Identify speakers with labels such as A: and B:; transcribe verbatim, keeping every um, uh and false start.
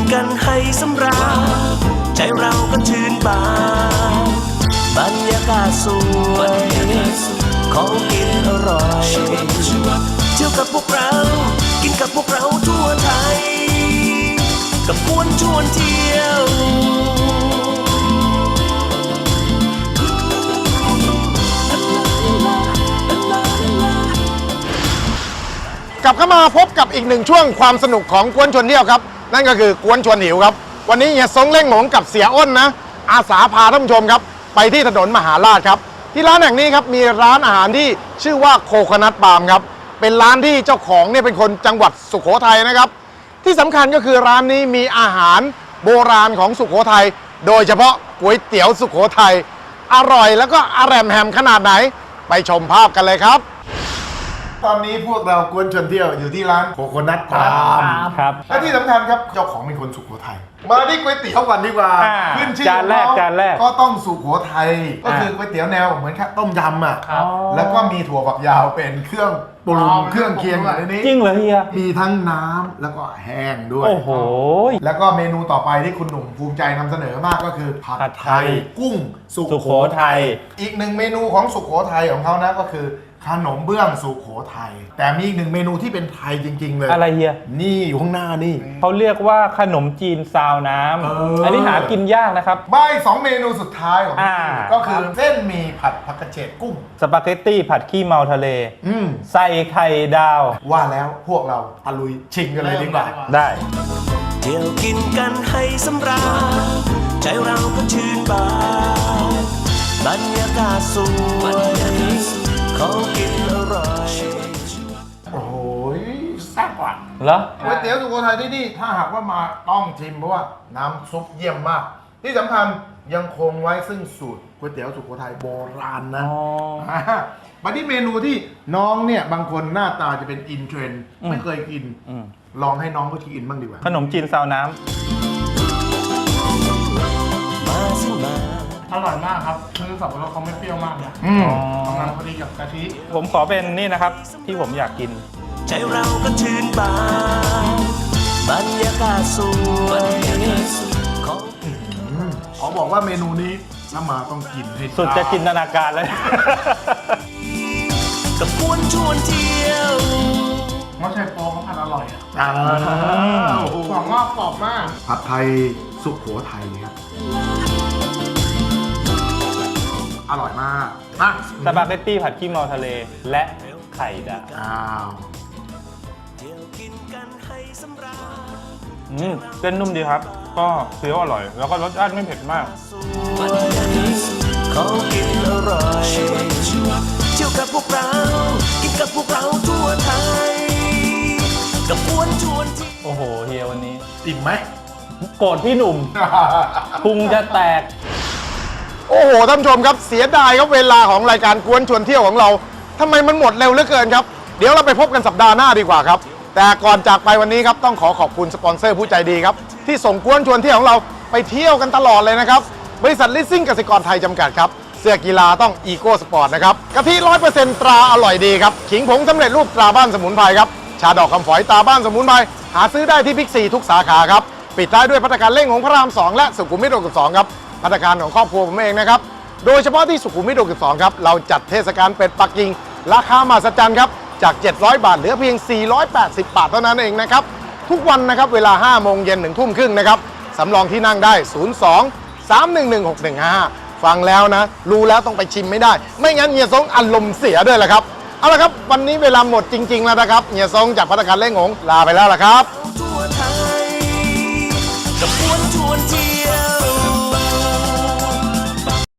A: กันให้สำราญใจเราก็ชื่นบานบรรยากาศสวยของกินอร่อยเที่ยวกับพวกเรากินกับพวกเราทั่วไทยกับกวนชวนเที่ยว
B: กลับเข้ามาพบกับอีกหนึ่งช่วงความสนุกของกวนชวนเที่ยวครับนั่นก็คือกวนชวนหิวครับวันนี้เฮียซงเล่งหลงกับเสียอ้นนะอาสาพาท่านผู้ชมครับไปที่ถนนมหาราชครับที่ร้านแห่งนี้ครับมีร้านอาหารที่ชื่อว่าโคโคนัทปาล์มครับเป็นร้านที่เจ้าของเนี่ยเป็นคนจังหวัดสุโขทัยนะครับที่สำคัญก็คือร้านนี้มีอาหารโบราณของสุโขทัยโดยเฉพาะก๋วยเตี๋ยวสุโขทัยอร่อยแล้วก็อร่อยแฮมขนาดไหนไปชมภาพกันเลยครับตอนนี้พวกเรากวนชวนเที่ยวอยู่ที่ร้านโคโคนัทปาล์ม
C: ครับ
B: และที่สำคัญครับเจ้าของเป็นคนสุโขทัยมาที่ก๋วยเตี๋ยวก่อนดีกว่าขึ้นชื่อ
C: จานแรกจานแรก
B: ก็ต้องสุโขทัยก็คือก๋วยเตี๋ยวแนวเหมือนข้าวต้มยำอ่ะแล้วก็มีถั่วฝักยาวเป็นเครื่องปรุงเครื่องเคียงอยู่ในนี้
C: จริงเหรอเฮีย
B: มีทั้งน้ำแล้วก็แห้งด้วย
C: โอ้โห
B: แล้วก็เมนูต่อไปที่คุณหนุ่มภูมิใจนำเสนอมากก็คือผัดไทยกุ้งสุโขทัยอีกหนึ่งเมนูของสุโขทัยของเขานะก็คือขนมเบื้องสุโขทัยแต่มีอีกหนึ่งเมนูที่เป็นไทยจริงๆเลย
C: อะไรเฮีย
B: นี่อยู่ข้างหน้านี่
C: เขาเรียกว่าขนมจีนซาวน้ำ
B: เอออั
C: อันนี้หากินยากนะครับ
B: ใบสองเมนูสุดท้ายของที่นี่ก็คือเส้นหมี่ผัดผักกระเฉดกุ้ง
C: สปาเกตตี้ผัดขี้เมาทะเล
B: อืม
C: ใส่ไข่ดาว
B: ว่าแล้วพวกเราตะลุยชิงกันเลยดีกว่า
C: ได้
A: เที่ยวกินกันให้สำราญใจเราก็ชื่นบานบรรยากาศสวยของกินอร่อย
B: โอ้โหแซ่บว่ะ
C: เหรอ
B: ก๋วยเตี๋ยวสุโขทัยที่นี่ถ้าหากว่ามาต้องชิมเพราะว่าน้ำซุปเยี่ยมมากที่สำคัญยังคงไว้ซึ่งสูตรก๋วยเตี๋ยวสุโขทัยโบราณนะมาที่เมนูที่น้องเนี่ยบางคนหน้าตาจะเป็นอินเทรนด์ไม่เคยกินลองให้น้องก็กินบ้างดีกว่า
C: ขนมจีนซาวน้ำ
D: อร่อยมากครับคือสับปะรดเขาไม่เปรี้ยวมากนะกำลังพอดีกับกะทิ
C: ผมขอเป็นนี่นะครับที่ผมอยากกิน
A: ใจเราก็ชื่นบานบรรยากาศสวยของ
B: ขอบอกว่าเมนูนี้ถ้ามาต้องกินให้
C: สุดจะจินตนาการเลย
A: กับกวนชวนเที่ยว
D: มะเชโปเขาผัดอร่อยอ่ะกรอบมากกรอบมาก
B: ผัดไทยสุโขทัยครับอร่อยมากมา
C: สปาเกตตี้ผัดขี้เมาทะเลและไข่ดาว
B: อ้าว
C: อืมเส้นนุ่มดีครับก็เคี้ยวอร่อยแล้วก็รสชาติไม่เผ็ดมาก
A: ของกินอร่อยเที่ยวกับพวกเรากินกับพวกเราทั่วไทยกับกวนชวนที่
C: โอ้โหเฮียวันนี้
B: อิ่มไหม
C: โกรธพี่หนุ่มพุงจะแตก
B: โอ้โหท่านผู้ชมครับเสียดายครับเวลาของรายการกวนชวนเที่ยวของเราทำไมมันหมดเร็วเหลือเกินครับเดี๋ยวเราไปพบกันสัปดาห์หน้าดีกว่าครับแต่ก่อนจากไปวันนี้ครับต้องขอขอบคุณสปอนเซอร์ผู้ใจดีครับที่ส่งกวนชวนเที่ยวของเราไปเที่ยวกันตลอดเลยนะครับบริษัทลิสซิ่งกสิกรไทยจำกัดครับเสื้อกีฬาต้องอีโก้สปอร์ตนะครับกะทิ ร้อยเปอร์เซ็นต์ ตราอร่อยดีครับขิงผงสำเร็จรูปตราบ้านสมุนไพรครับชาดอกคำฝอยตราบ้านสมุนไพรหาซื้อได้ที่บิ๊กซีทุกสาขาครับปิดท้ายด้วยภัตตาคารเล่งของพระรามสองและสุขุมวิทหกสิบสองครับภัตตาคารของครอบครัวผมเองนะครับโดยเฉพาะที่สุขุมวิทหกสิบสองครับเราจัดเทศกาลเป็ดปักกิ่งราคามหัศจรรย์ครับจากเจ็ดร้อยบาทเหลือเพียงสี่ร้อยแปดสิบบาทเท่านั้นเองนะครับทุกวันนะครับเวลาห้าโมงเย็นถึงทุ่มครึ่งนะครับสำรองที่นั่งได้ศูนย์ สอง สาม หนึ่ง หนึ่ง หก หนึ่ง ห้า ฟังแล้วนะรู้แล้วต้องไปชิมไม่ได้ไม่งั้นเฮียซงอารมณ์เสียด้วยแหละครับเอาละครับวันนี้เวลาหมดจริงๆแล้วนะครับเฮียซงจากภัตตาคารเล่งหงลาไปแล้วล่ะครับ
A: ทั่วไทยกับกวนชวนเที่ยว